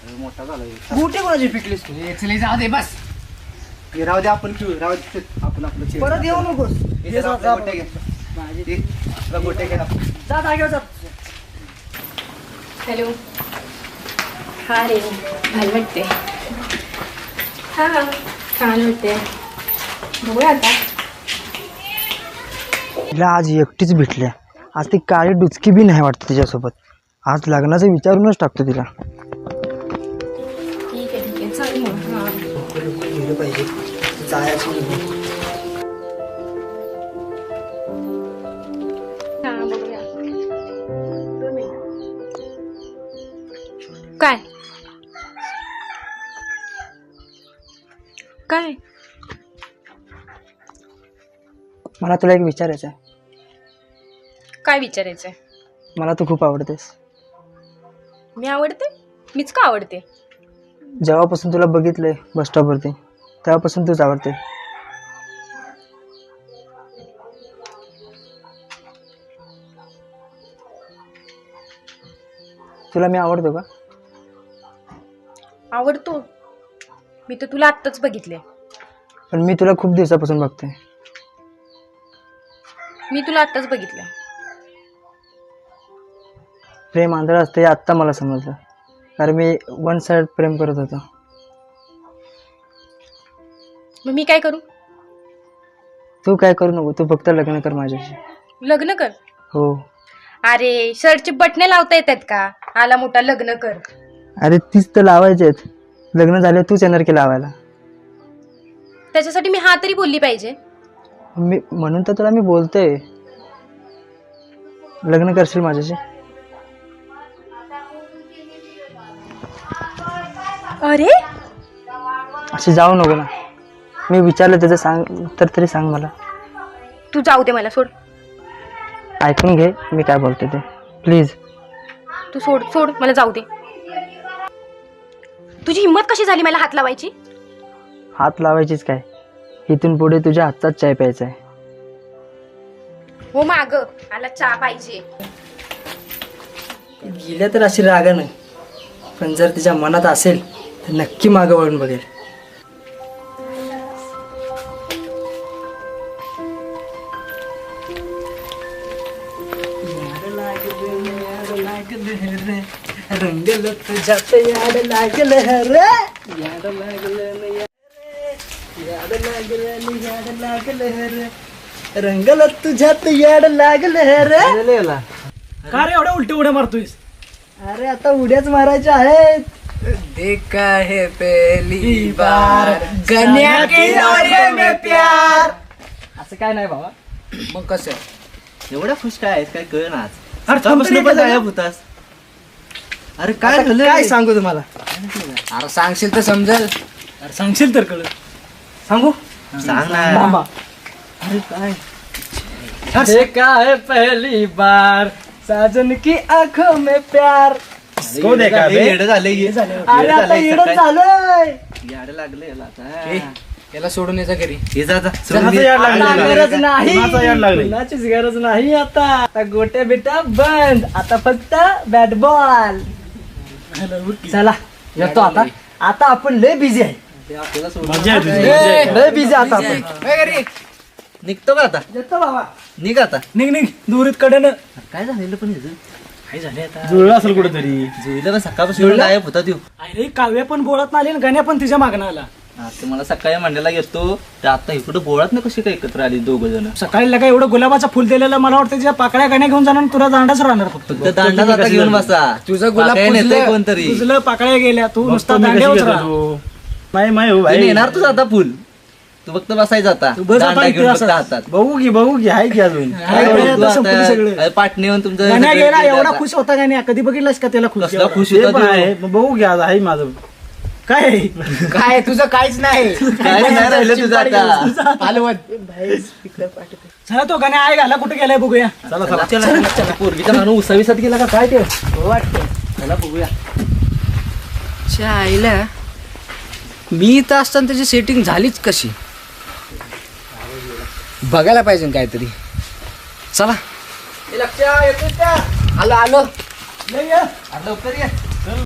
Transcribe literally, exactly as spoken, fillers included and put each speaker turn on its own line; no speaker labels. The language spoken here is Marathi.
अरे मोठा झाला
गोटे कोणाची पिकलीस तू?
चले जाऊ दे बस.
हे राहू दे आपण खेळू राहू दे आपण आपलं खेळ
परत येऊ नकोस.
हे जरा आपल्या गोट्या घे
माझी
ते आपला गोट्या घे आपण.
जा जागेवर जा.
हॅलो. हा रे भाल वाटते. हा हा छान वाटते. बघूया आता.
तिला आज एकटीच भेटल्या. आज ती काळी डुचकी बी नाही वाटत तिच्यासोबत. आज लग्नाचं विचारूनच टाकतो तिला.
ठीक आहे ठीक आहे चल मग. हां
गेलं पाहिजे जायचं.
हां बघूया. दोन मिनिटं. काय काय
मला तुला एक विचारायचं आहे.
काय विचारायचं आहे?
मला तू खूप आवडतेस.
मी आवडते? मीच का आवडते?
जेव्हापासून तुला बघितलंय बस स्टॉपवरती तेव्हापासून तूच आवडते. तुला मी आवडतो का?
आवडतो. मी तर तुला आत्ताच बघितले.
पण मी तुला खूप दिवसापासून बघतोय.
मी तुला आत्ताच बघितलं.
प्रेम आंधळं असतं हे आत्ता मला समजलं. कारण मी वन साइड प्रेम करत होतो.
मग मी काय करू?
तू काय करू नको. तू फक्त लग्न कर माझ्याशी.
लग्न कर?
हो.
अरे शर्टचे बटणे लावता येतात का? आला मोठा लग्न कर.
अरे तीच तर लावायचे आहेत. लग्न झाले तूच येणार की लावायला.
त्याच्यासाठी मी हा तरी बोलली पाहिजे.
मी म्हणून तर तुला मी बोलतोय. लग्न करशील माझ्याशी?
अरे
अशी जाऊ नको ना. मी विचारलं त्याचं सांग तर तरी सांग मला.
तू जाऊ दे मला. सोड.
ऐकून घे मी काय बोलते ते प्लीज.
तू सोड सोड मला जाऊ दे. तुझी हिंमत कशी झाली मला हात लावायची?
हात लावायचीच काय. इथून पुढे तुझ्या हातचाच चाय प्यायचा आहे.
हो माग मला चहा पाहिजे.
गेल्या तर अशी रागानं. पण जर तिच्या मनात असेल तर नक्की मागं वळून बघेल. रंगल तुझ्यात याड लागल रे. याड लागल याड लागल याड लागल रे. रंगल तुझ्यात याड लागल रे.
का रे एवढ्या उलटी उड्या मारतोयस?
अरे आता उड्याच मारायच्या आहेत.
देखा है पहली बार गन्या के दौरे में प्यार.
असं काय नाही बाबा.
मग कसं?
एवढ्या खुश काय आहेत काय कळ ना आज.
अरे
सकाळपासून पण गायब होतास. अरे काय
आता
झालं?
काय सांगू तुम्हाला?
अरे सांगशील तर समजेल.
अरे सांगशील तर कळ. सांगू
सांग ना.
मामा.
अरे काय
देखा है पहली बार साजन की आंखों में प्यार.
को देखा बे? येडं झालंय हे.
अरे
येडं
आता
झालंय
येडच
सकाळी.
झालंय.
याडं लागलं याला आता.
ए, याला सोडून यायचा घरी.
हे जा जा.
चहाचं याड लागलं. आता गरज नाही.
कुणाचं याड लागलंय?
कुणाचीच गरज नाही आता. आता गोट्या बिट्या बंद. आता फक्त बॅट बॉल. चला येतो आता. आता आपण लय बिझी आहे.
ते आपल्याला सोडून
मजा आहे तुझी.
ए, लय बिझी आता आपण.
ए, घरी.
निघतो का आता?
येतो बाबा.
निघ आता.
निघ निघ दुरीत कडे
काय झालेलं पण ह्याचं?
काय झाले आता?
जुळलं असेल कुठेतरी.
जुईला पण सकाळपासून गायब होता देऊ.
अरे काव्य पण बोलत नाही आणि गण्या पण तिच्या मागणं आला.
आता मला सकाळी मंडळाला येतो तर आता इकडे बोळात ना कशी काय एकत्र आली दोघ जण.
सकाळी लगा एवढं गुलाबाचं फुल दिलेलं मला वाटतं तिच्या पाकळ्या गण्या घेऊन जाणार आणि तुला दांडाच राहणार फक्त.
फक्त दांडा आता घेऊन बसा.
तुझं गुलाब
पाकळ्या नेतंय
पुजलं,
कोणतरी.
तुझलं पाकळ्या गेल्या तू नुसता
बघतो मी कशी
दांड्यावर
घेतो
राहा.
तू. माय माय हो
तू
भाई.
येणार तुझं आता फुल. तू फक्त बसायचं आता.
तू बस आता
दांडा
इथे
घेऊन फक्त
असं.
हातात.
बघू की बघू की आहे की अजून.
काय
काय
करूया
तू
आता संपलं
आता-
सगळं.
अरे पाटणे येऊन तुमचं
गण्या
सगळं
गेला
केलं
एवढा
आता.
खुश होता गण्या. कधी बघितलास का त्याला खुश
कसला खुश
ते
होता
पण
तू.
आहे. मग बघू की आज आहे माझं.
काय काय तुझं काहीच नाही.
काय नाही राहिलं तुझं आता.
चला तो गण्या आहे घाला कुठे गेलाय बघूया.
चला चला.
चला चला. पोरगीचा नानू उसाविसात गेला का काय ते वाटतं. चला बघूया.
आईला मी इथं असताना त्याची सेटिंग झालीच कशी बघायला पाहिजे ना काहीतरी. चला आलो आलो
लवकर ये.